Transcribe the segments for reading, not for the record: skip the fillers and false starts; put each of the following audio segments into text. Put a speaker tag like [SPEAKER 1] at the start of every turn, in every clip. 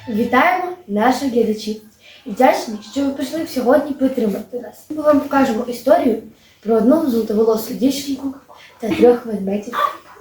[SPEAKER 1] Вітаємо наших глядачів і вдячні, що ви прийшли сьогодні підтримати нас. Ми вам покажемо історію про одну золотоволосу дівчинку та 3 ведмедів.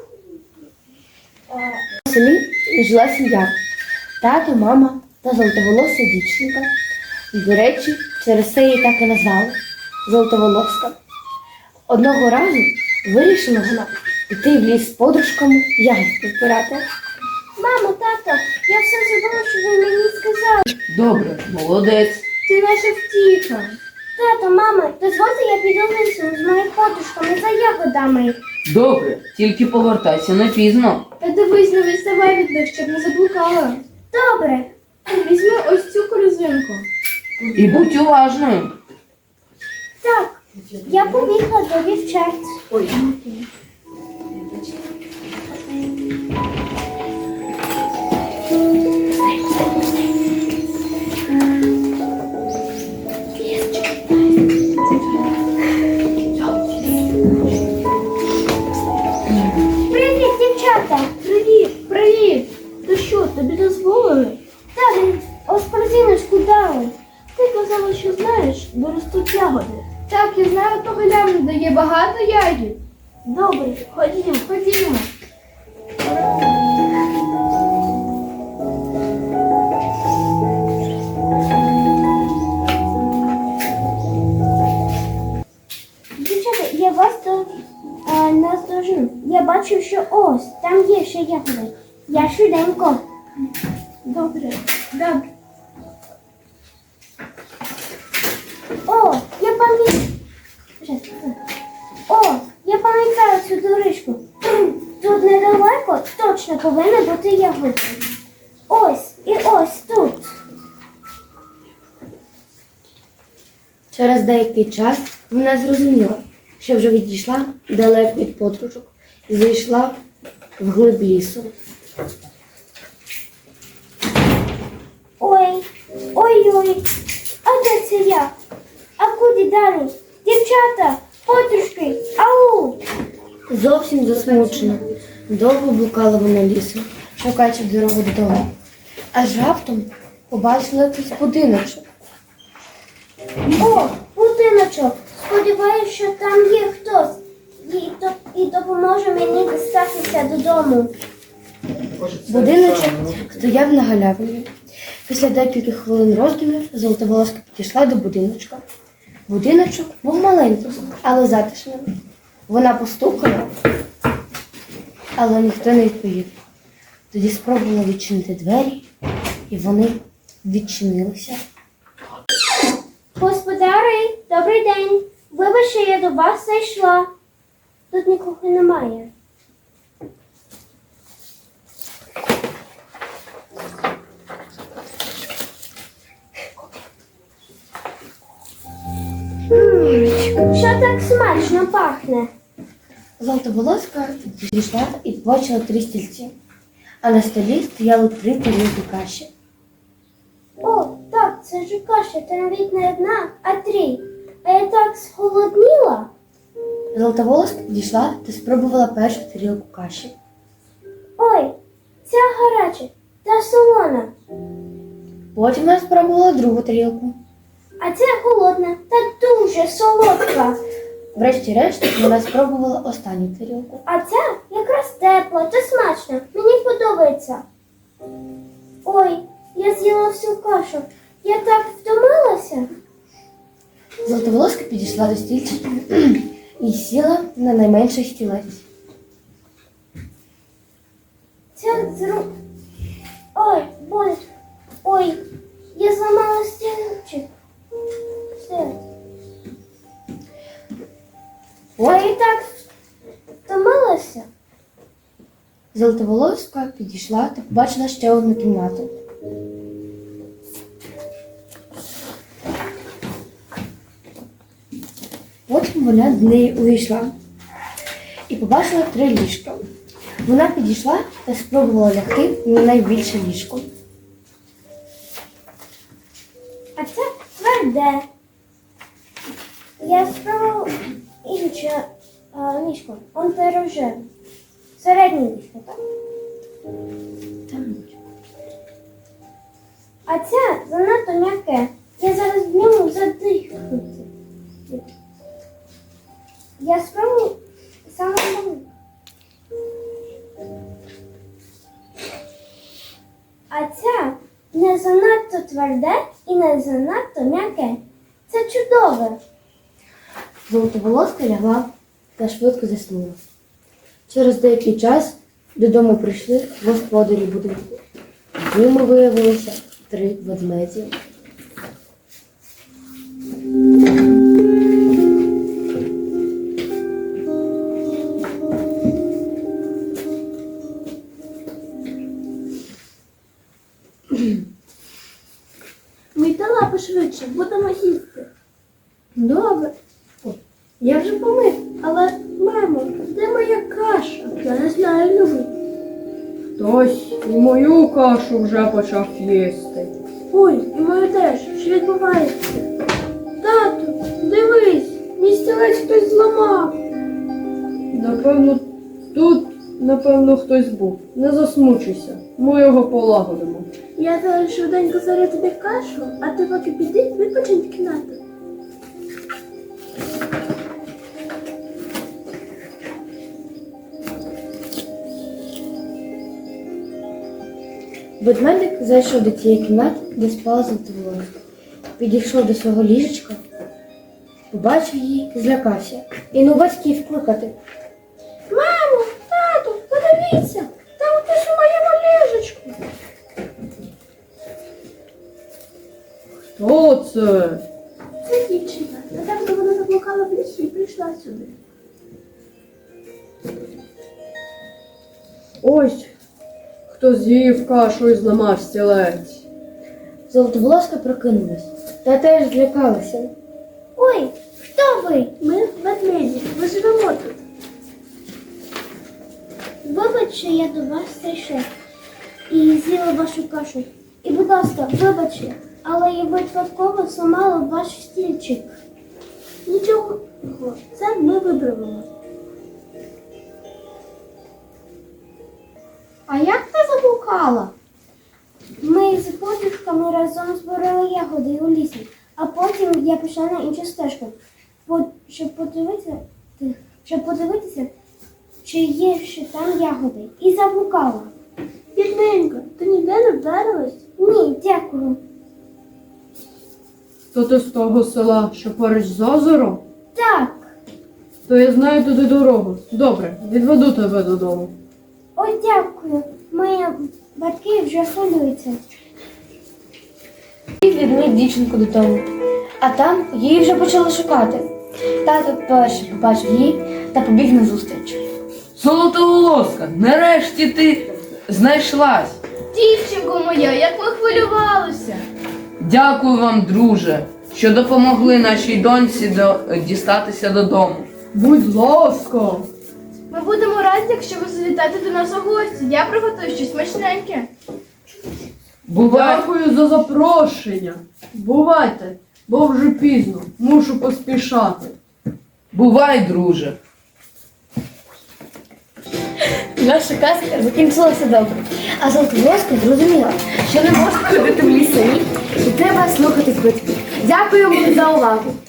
[SPEAKER 1] У селі жила сім'я. Тато, мама та золотоволоса дівчинка. І, до речі, через це її так і назвали – Золотоволоска. Одного разу вирішила вона піти в ліс з подружками ягідки збирати.
[SPEAKER 2] Мамо, тато, я все забула, що ви мені сказали.
[SPEAKER 3] Добре, молодець.
[SPEAKER 2] Ти наша втіха. Тато, мама, дозвольте я піду лісом з моїми подружками за ягодами.
[SPEAKER 3] Добре, тільки повертайся не пізно.
[SPEAKER 2] Та дивись, не відставай від них, щоб не заблукала. Добре. Візьми ось цю корзинку.
[SPEAKER 3] І будь уважною.
[SPEAKER 2] Так, я побігла до дівчат.
[SPEAKER 3] Ой.
[SPEAKER 2] Привіт, дівчата! Привіт, привіт! То що, тобі дозволили? Так, ось корзиночку дали. Ти казала, що знаєш, де ростуть ягоди. Так, я знаю того ляну, де є багато ягід. Добре, ходімо, ходімо. Дівчата, я вас наздожену. Я бачу, що ось, там є ще ягоди. Я швиденько. Добре, добре. О, я пам'ятаю цю доріжку. Тут недалеко точно повинна бути ягода. Ось і ось тут.
[SPEAKER 1] Через деякий час вона зрозуміла, що вже відійшла далеко від подружок і зайшла в глиб лісу.
[SPEAKER 2] Ой, а де це я? А куди далі? Дівчата, подружки, ау!
[SPEAKER 1] Зовсім засмучена. Довго блукала вона лісом, шукаючи дорогу додому. Аж раптом побачила якийсь будиночок.
[SPEAKER 2] О, будиночок. Сподіваюся, що там є хтось і допоможе мені дістатися додому.
[SPEAKER 1] Будиночок стояв на галявині. Після декількох хвилин роздумів Золотоволоска підійшла до будиночка. Будиночок був маленьким, але затишним. Вона постукала, але ніхто не відповів. Тоді спробувала відчинити двері, і вони відчинилися.
[SPEAKER 2] Господари, добрий день. Вибачте, я до вас зайшла. Тут нікого немає. Що так смачно пахне?
[SPEAKER 1] Золотоволоска підійшла і побачила 3 стільці, а на столі стояли 3 тарілки каші.
[SPEAKER 2] О, так, це ж каша, та навіть не 1, а 3. А я так сголодніла.
[SPEAKER 1] Золотоволоска підійшла та спробувала першу тарілку каші.
[SPEAKER 2] Ой, ця гаряча та солона.
[SPEAKER 1] Потім вона спробувала другу тарілку.
[SPEAKER 2] А ця холодна та дуже солодка.
[SPEAKER 1] Врешті-решт вона спробувала останню тарілку.
[SPEAKER 2] А ця якраз тепла та смачна. Мені подобається. Ой, я з'їла всю кашу. Я так втомилася.
[SPEAKER 1] Золотоволоска підійшла до стільчика і сіла на найменший стілець.
[SPEAKER 2] Ой, боль. Ой, я зламала стільчик. Все. Я і так втомилася.
[SPEAKER 1] Золотоволоска підійшла та побачила ще одну кімнату. Потім вона до неї увійшла і побачила 3 ліжка. Вона підійшла та спробувала лягти на найбільше ліжко.
[SPEAKER 2] А це тверде. Я спробувала інше ліжко. Он те рожеве. Середнє ліжко, так?
[SPEAKER 1] Там.
[SPEAKER 2] тверде і не занадто м'яке. Це чудове.
[SPEAKER 1] Золотоволоска лягла та швидко заснула. Через деякий час додому прийшли господарі будинку. Ними виявилося 3 ведмеді.
[SPEAKER 2] Мийте лапи швидше, будемо їсти. Добре. Ой, я вже помив, але, мамо, де моя каша? Я не знаю, Любий.
[SPEAKER 4] Хтось і мою кашу вже почав їсти.
[SPEAKER 2] Ой, і мою теж. Що відбувається? Тату, дивись, мій стілець хтось зламав.
[SPEAKER 4] Напевно, хтось був. Не засмучуйся. Ми його полагодимо.
[SPEAKER 2] Я зараз швиденько зарю тобі кашу, а ти поки піди, відпочинь в кімнату.
[SPEAKER 1] Ведмедик зайшов до тієї кімнати, де спала Золотоволоска. Підійшов до свого ліжечка, побачив її, злякався. І ну батьків кликати.
[SPEAKER 2] Мамо, тату, подивіться, там хтось у моєму ліжечку.
[SPEAKER 4] Хто це?
[SPEAKER 2] Це дівчина. Недавно вона заблукала в лісі і прийшла сюди.
[SPEAKER 4] Ось хто з'їв кашу і зламав стілець.
[SPEAKER 1] Золотоволоска прокинулась та теж злякалася.
[SPEAKER 2] Ой, хто ви? Ми ведмеді, ми живемо тут. Вибач, що я до вас зайшов і з'їла вашу кашу. І, будь ласка, вибачте, але я випадково зламала ваш стільчик. Нічого, це ми виправимо.
[SPEAKER 1] А як ти заблукала?
[SPEAKER 2] Ми з подружками разом збирали ягоди у лісі, а потім я пішла на іншу стежку, щоб подивитися, чи є ще там ягоди. І заблукала. Бідненько, ти ніде не вдарилась? Ні, дякую.
[SPEAKER 4] То ти з того села, що поруч з озером?
[SPEAKER 2] Так.
[SPEAKER 4] То я знаю туди дорогу. Добре, відведу тебе додому.
[SPEAKER 2] Ой, дякую. Мої батьки вже хвилюються.
[SPEAKER 1] І відмив дівчинку додому. А там її вже почали шукати. Тато перший побачив її та побіг на зустріч.
[SPEAKER 3] Золотоволоска, нарешті ти знайшлась.
[SPEAKER 2] Дівчинко моя, як ми хвилювалися.
[SPEAKER 3] Дякую вам, друже, що допомогли нашій доньці дістатися додому.
[SPEAKER 4] Будь ласка.
[SPEAKER 2] Ми будемо раді, якщо ви завітаєте до нас у гості. Я приготую щось смачненьке.
[SPEAKER 3] Бувай.
[SPEAKER 4] Дякую за запрошення. Бувайте, бо вже пізно. Мушу поспішати.
[SPEAKER 3] Бувай, друже.
[SPEAKER 1] Наша казка закінчилася добре. А Золотоволоска зрозуміла, що не можна ходити в ліс самі, і треба слухати батьків. Дякуємо за увагу.